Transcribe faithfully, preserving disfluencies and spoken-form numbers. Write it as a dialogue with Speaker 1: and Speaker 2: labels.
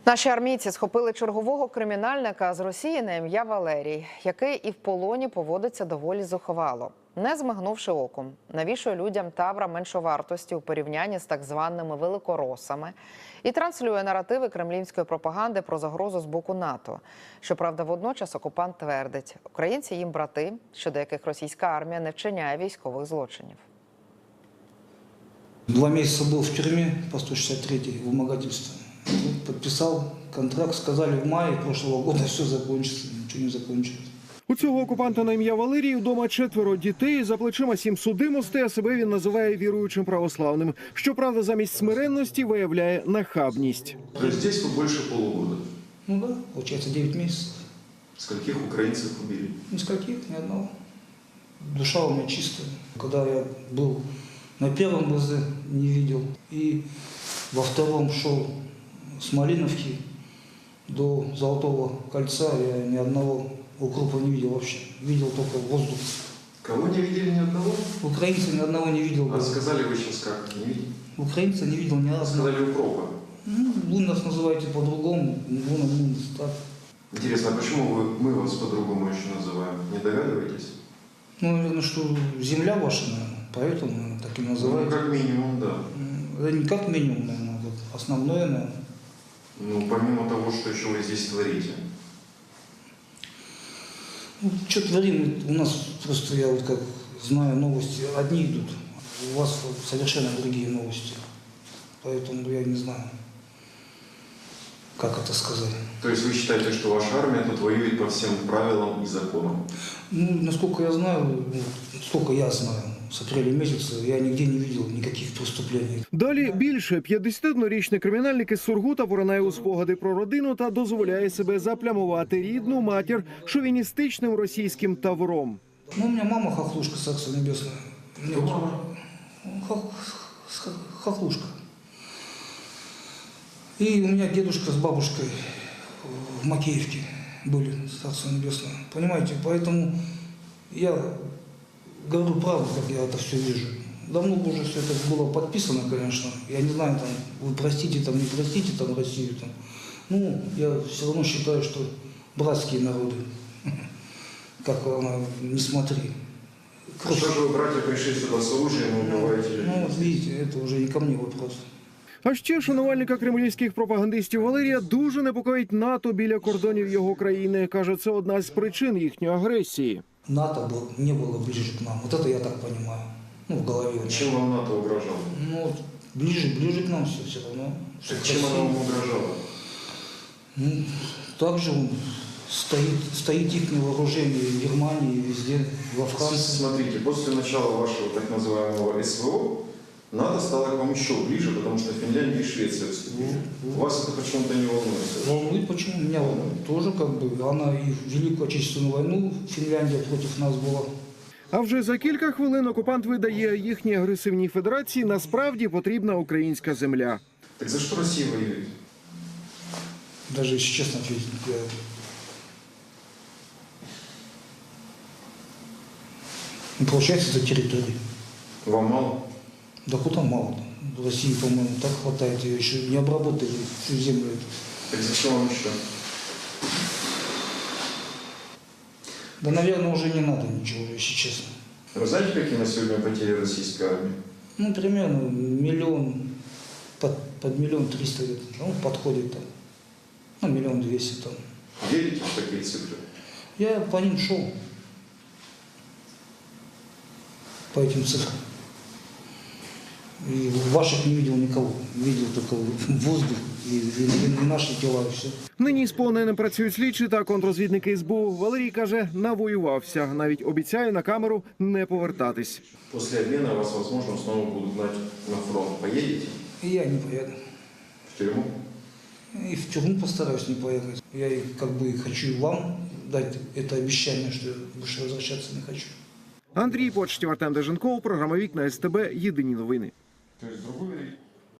Speaker 1: Наші армійці схопили чергового кримінальника з Росії на ім'я Валерій, який і в полоні поводиться доволі зухвало. Не змигнувши оком, навішує людям табра меншовартості у порівнянні з так званими великоросами і транслює наративи кремлівської пропаганди про загрозу з боку НАТО. Щоправда, водночас окупант твердить, українці їм брати, щодо яких російська армія не вчиняє військових злочинів.
Speaker 2: Два месяца был в тюрьме по сто шестьдесят третьей вымогательство. Подписал контракт, сказали в мае прошлого года все закончится, ничего не закончилось.
Speaker 3: У цього окупанта на ім'я Валерій вдома четверо дітей, за плечима сім судимостей, а себе він називає віруючим православним. Щоправда, замість смиренності виявляє нахабність.
Speaker 4: То есть здесь вы больше полугода?
Speaker 2: Ну да, получается девять месяцев.
Speaker 4: Скольких украинцев убили?
Speaker 2: Нискольких, ни одного. Душа у меня чистая. Когда я был на первом ГЗ, не видел, и во втором шел с Малиновки до Золотого кольца, я ни одного укропа не видел вообще. Видел только воздух.
Speaker 4: Кого не видели ни одного?
Speaker 2: Украинца ни одного не видел.
Speaker 4: А сказали вы сейчас как? Не видели?
Speaker 2: Украинца не видел ни разу.
Speaker 4: Сказали укропа.
Speaker 2: Ну, вы нас называете по-другому, вы нам так.
Speaker 4: Интересно, а почему вы, мы вас по-другому еще называем? Не догадываетесь?
Speaker 2: Ну, наверное, что земля ваша, наверное, поэтому наверное, так и
Speaker 4: Ну,
Speaker 2: называют.
Speaker 4: как минимум, да.
Speaker 2: Это не как минимум, наверное, это основное, наверное.
Speaker 4: Ну, помимо того, что еще вы здесь творите.
Speaker 2: Ну, что творим, у нас просто, я вот как знаю новости, одни идут, у вас совершенно другие новости. Поэтому я не знаю, как это сказать.
Speaker 4: То есть вы считаете, что ваша армия тут воюет по всем правилам и законам?
Speaker 2: Ну, насколько я знаю, ну, сколько я знаю, с апреля месяца я нигде не видел никаких преступлений.
Speaker 3: Далі більше. п'ятдесятиоднорічний кримінальник із Сургута поринає у спогади про родину та дозволяє себе заплямувати рідну матір шовіністичним російським тавром.
Speaker 2: Ну, у меня мама хохлушка, царство небесное.
Speaker 4: Кто мама?
Speaker 2: Хох- х- Хохлушка. И у меня дедушка с бабушкой в Макеевке были, царство небесное. Понимаете, поэтому я говорю правду, как я это все вижу. Давно бы уже все это было подписано, конечно. Я не знаю, там, вы простите, там, не простите там, Россию. Там. Ну, я все равно считаю, что братские народы, как она, не смотри.
Speaker 4: Что же вы, братья, пришли сюда с оружием и убиваете людей?
Speaker 2: Ну, вот видите, это уже не ко мне вопрос.
Speaker 3: А ще шанувальника кремлівських пропагандистів Валерія дуже непокоїть НАТО біля кордонів його країни. Каже, це одна з причин їхньої агресії.
Speaker 2: НАТО был, не было ближе к нам. Вот это я так понимаю. Ну, в голове. у меня.
Speaker 4: Чем вам НАТО угрожало?
Speaker 2: Ну, вот ближе, ближе к нам все, все равно. Что
Speaker 4: Так чем она вам угрожала?
Speaker 2: Ну, также он стоит, стоит их вооружение в Германии, везде, во Франции.
Speaker 4: Смотрите, после начала вашего так называемого СВО, НАТО стало к вам еще ближе, потому что Финляндия и Швеция вступили. Вас это почему-то не волнует?
Speaker 2: Волнует, почему? Меня волнует. Тоже как бы, она и в Великую Отечественную войну Финляндия против нас была.
Speaker 3: А вже за кілька хвилин окупант видає, їхній агресивній федерації насправді потрібна українська земля.
Speaker 4: Так за что Россия воюет?
Speaker 2: Даже, если честно ответить, я... Ну, получается, это территория.
Speaker 4: Вам мало?
Speaker 2: Да куда мало? В России, по-моему, так хватает. Ее еще не обработали всю землю эту.
Speaker 4: Так зачем вам еще?
Speaker 2: Да, наверное, уже не надо ничего, если честно.
Speaker 4: Вы знаете, какие на сегодня потери российской армии?
Speaker 2: Ну, примерно миллион, под, под миллион триста где-то, ну, подходит там. Ну, миллион двести там.
Speaker 4: Верите в такие цифры?
Speaker 2: Я по ним шел. По этим цифрам. И ваших не видел никого. Видел только воздух и, и, и наши тела, и все.
Speaker 3: Нині з полоненим працюють слідчі та контррозвідники ес бе у. Валерій каже, навоювався. Навіть обіцяє на камеру не повертатись.
Speaker 4: После обмена вас, возможно, снова будут гнать на фронт. Поедете?
Speaker 2: И я не поеду.
Speaker 4: В тюрьму?
Speaker 2: И в тюрьму постараюсь не поехать. Я и как бы хочу вам дать это обещание, что я больше возвращаться не хочу.
Speaker 3: Андрій Почтів, Артем Деженков, програма «Вікна ес те бе», єдині новини.
Speaker 4: То есть другой